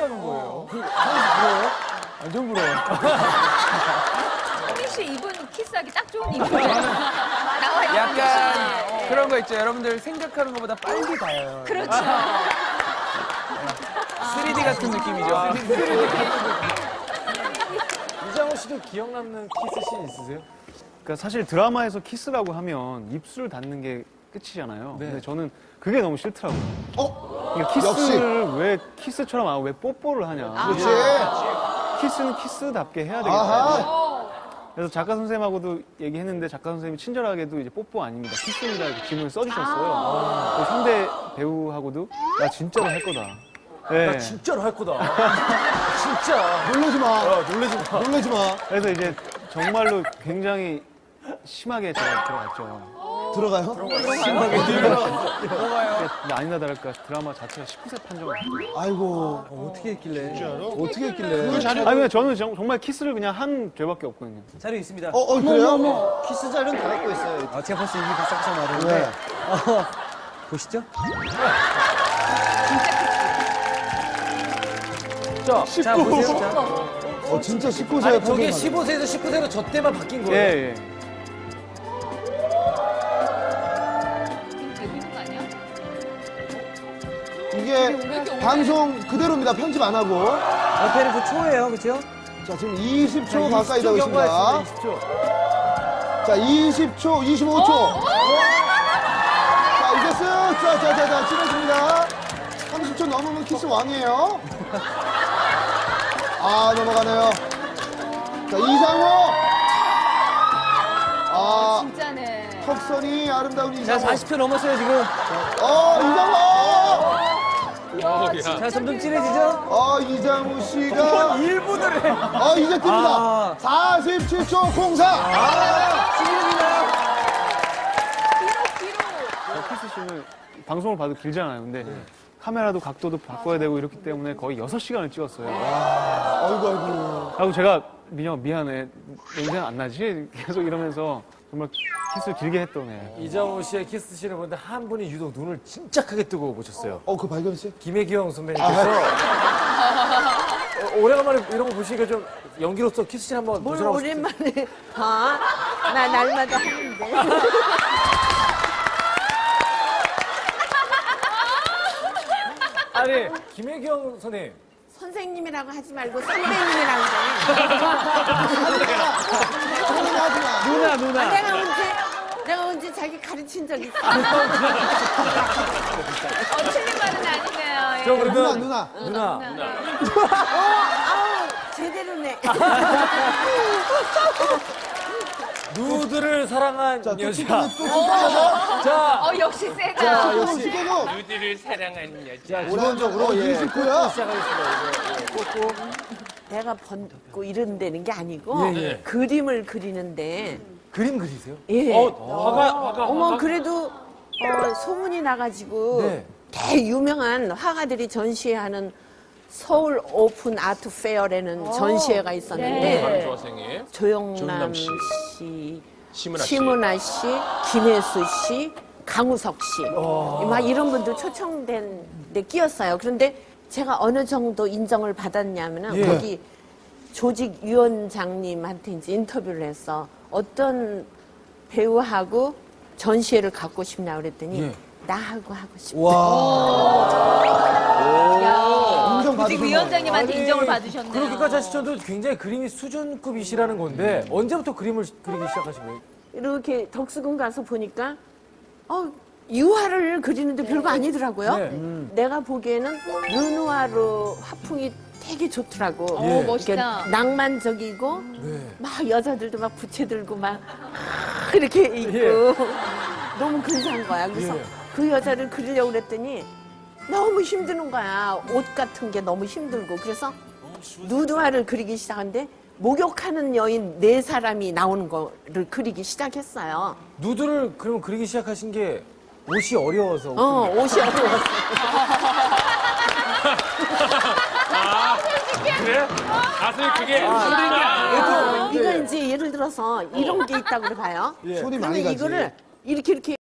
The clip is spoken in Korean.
하는 거예요. 완전 부러워요. 성민 씨 입은 키스하기 딱 좋은 입이에요. 나와 있는 약간 그런 거 있죠. 여러분들 생각하는 것보다 빨리 닿아요. 그렇죠. 3D 같은 느낌이죠. 이장호 씨도 기억 남는 키스씬 있으세요? 그러니까 사실 드라마에서 키스라고 하면 입술 닿는 게 끝이잖아요. 근데 저는 그게 너무 싫더라고요. 그러니까 키스를 왜 키스처럼 안 하고 왜 뽀뽀를 하냐. 그렇지. 키스는 키스답게 해야 되겠다. 아하. 그래서 작가 선생님하고도 얘기했는데 작가 선생님이 친절하게도 이제 뽀뽀 아닙니다. 키스입니다. 이렇게 질문을 써주셨어요. 그 상대 배우하고도 나 진짜로 할 거다. 네. 나 진짜로 할 거다. 진짜. 놀라지 마. 놀라지 마. 놀라지 마. 그래서 이제 정말로 굉장히 심하게 제가 들어갔죠. 들어가요? 근데 아니나 다를까 드라마 자체가 19세 판정을 받고. 아이고. 어떻게 했길래? 어떻게 했길래? 아니 근데 저는 정말 키스를 그냥 한 죄밖에 없거든요. 자료 있습니다. 그래요? 키스 자료는 다 갖고 있어요. 제가 벌써 입이 싹싹 마르는데. 네. 보시죠. 진짜 키스. 자, 보세요. 자. 진짜 19세. 아니, 저게 15세에서 19세로 저 때만 바뀐 거예요. 예, 예. 지금 되고 있는 거 아니야? 이게 방송 그대로입니다. 편집 안 하고. 옆에는 그 초예요, 그렇죠? 자, 지금 20초 가까이 되고 있습니다. 20초. 자, 20초, 25초. 자, 이제 쓱, 자, 찔러줍니다. 30초 넘으면 키스 왕이에요. 아, 넘어가네요. 자, 이상호. 아, 진짜네. 턱선이 아름다운 자, 이상호. 40초 넘었어요, 지금. 이상호. 자, 점점 진해지죠? 이장우 씨가. 1분을 해. 이제 뜹니다. 47초 04. 지금입니다. 키스씬을 방송을 봐도 길잖아요. 근데 카메라도 각도도 바꿔야 되고 이렇기 때문에 거의 6시간을 찍었어요. 아이고. 하고 제가 민영아 미안해. 냄새 안 나지? 계속 이러면서 정말 키스를 길게 했던 애. 이장호 씨의 키스씬을 보는데 한 분이 유독 눈을 진짜 크게 뜨고 보셨어요. 그 발견했어요? 김혜경 선배님께서 오래간만에 이런 거 보시니까 좀 연기로서 키스씬 한번 뭘 도전하고 싶어요. 오랜만에 봐. 나 날마다 하는데. 아니, 김혜경 선생님. 선생님이라고 하지 말고 선배님이라고 해. 누나. 내가 언제 자기 가르친 적 있어? 틀린 말은 아니네요. 예. 저 그러면 누나. 아우, 제대로네. 누드를 사랑한 자, 또 여자. 찍으면 또 찍어서. 자, 역시 세다. 자, 역시. 찍어서. 누드를 사랑하는 여자. 자, 기본적으로 예. 29야. 시작하겠습니다. 내가 번고 이런다는 게 아니고 예. 그림을 그리는데. 그림 그리세요? 예. 화가. 어머, 그래도 소문이 나가지고 네. 대유명한 화가들이 전시회하는 서울 오픈 아트 페어라는 전시회가 있었는데 조영남 씨, 심은하 씨, 김혜수 씨, 강우석 씨, 막 이런 분들 초청된 데 끼었어요. 그런데 제가 어느 정도 인정을 받았냐면은 예. 거기 조직위원장님한테 이제 인터뷰를 해서 어떤 배우하고 전시회를 갖고 싶냐 그랬더니 예. 나하고 하고 싶다. 인정 조직 받으신 위원장님한테 인정을 받으셨네요. 그렇게까지 하시셔도 굉장히 그림이 수준급이시라는 건데 언제부터 그림을 그리기 시작하신 거예요? 이렇게 덕수궁 가서 보니까 유화를 그리는데 별거 아니더라고요. 네. 내가 보기에는 르누아르 화풍이 되게 좋더라고. 예. 멋있다. 이렇게 낭만적이고 네. 막 여자들도 막 부채 들고 막 이렇게 있고 예. 너무 근사한 거야. 그래서 예. 그 여자를 그리려고 그랬더니 너무 힘드는 거야. 옷 같은 게 너무 힘들고. 그래서 누드화를 그리기 시작하는데 목욕하는 여인 4사람이 나오는 거를 그리기 시작했어요. 누드를 그러면 그리기 시작하신 게 옷이 어려워서. 옷이 어려웠어. 그래? 선생님 그게 힘든 게 이거 이제 예를 들어서 이런 게 있다고 봐요. 예. 손이 그러면 많이 가지. 이거를 이렇게